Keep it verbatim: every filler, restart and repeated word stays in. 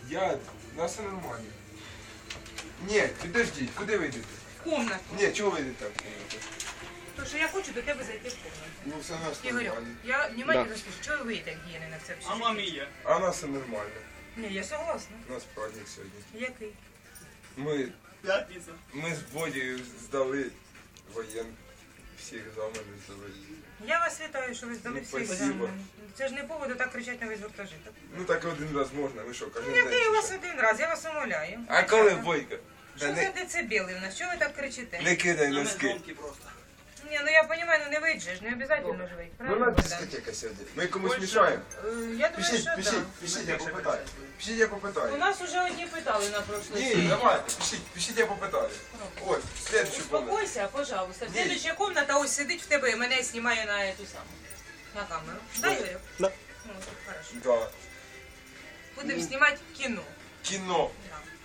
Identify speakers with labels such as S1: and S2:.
S1: Я, у нас все нормально. Ні, підождіть, куди ви йдете?
S2: В комнату.
S1: Ні, чого ви йдете в кімнату?
S2: Тому що я хочу до тебе зайти в комнату.
S1: Ну все у нас
S2: Ігорю,
S1: нормально.
S2: я внимательно слышу, чого ви так гіяни на це все?
S3: А мамі є.
S1: А у нас все нормально.
S2: Ні, я согласна.
S1: У нас праздник сьогодні.
S2: Який?
S1: Ми,
S3: П'ятниця.
S1: ми з Бодією здали воєн. Всі екзамени здали.
S2: Я вас вітаю, що ви здали
S1: Ну,
S2: всі
S1: спасибо.
S2: екзамени. Це ж не поводу так кричати на весь гуртожиток.
S1: Ну так один раз можна, ви що, кожен
S2: Ну,
S1: день?
S2: який
S1: чи
S2: у вас
S1: що?
S2: один раз, я вас умоляю.
S1: А коли Бойко?
S2: Що
S1: Та
S2: за
S1: не,
S2: децибели в нас? Чого ви так кричите?
S1: не кидай
S3: На
S1: носки.
S3: громкі просто.
S2: Ні, ну я розумію, ну не вийдеш, ж, не обов'язково ж вийти.
S1: Ну у
S2: Правильно,
S1: нас
S2: Богдан?
S1: дискотека сьогодні. Ми комусь мішаємо.
S2: Е, Я думаю,
S1: Пишіть,
S2: що
S1: пишіть,
S2: так.
S1: пишіть, я попитаю. Пишіть, я
S2: У
S1: попитаю.
S2: нас уже одні питали на прошлой
S1: Ні,
S2: серії.
S1: давайте, пишіть, пишіть, я попитаю. Ось, следующий комнату.
S2: Успокойся, пожалуйста.
S1: Ні.
S2: Следующая комната ось сидить в тебе і мене знімає на эту саму. На камеру. Да, Юрій?
S3: Да.
S2: Ну, так, хорошо.
S1: Да.
S2: Будемо знімати кіно.
S1: Кіно.
S2: Да.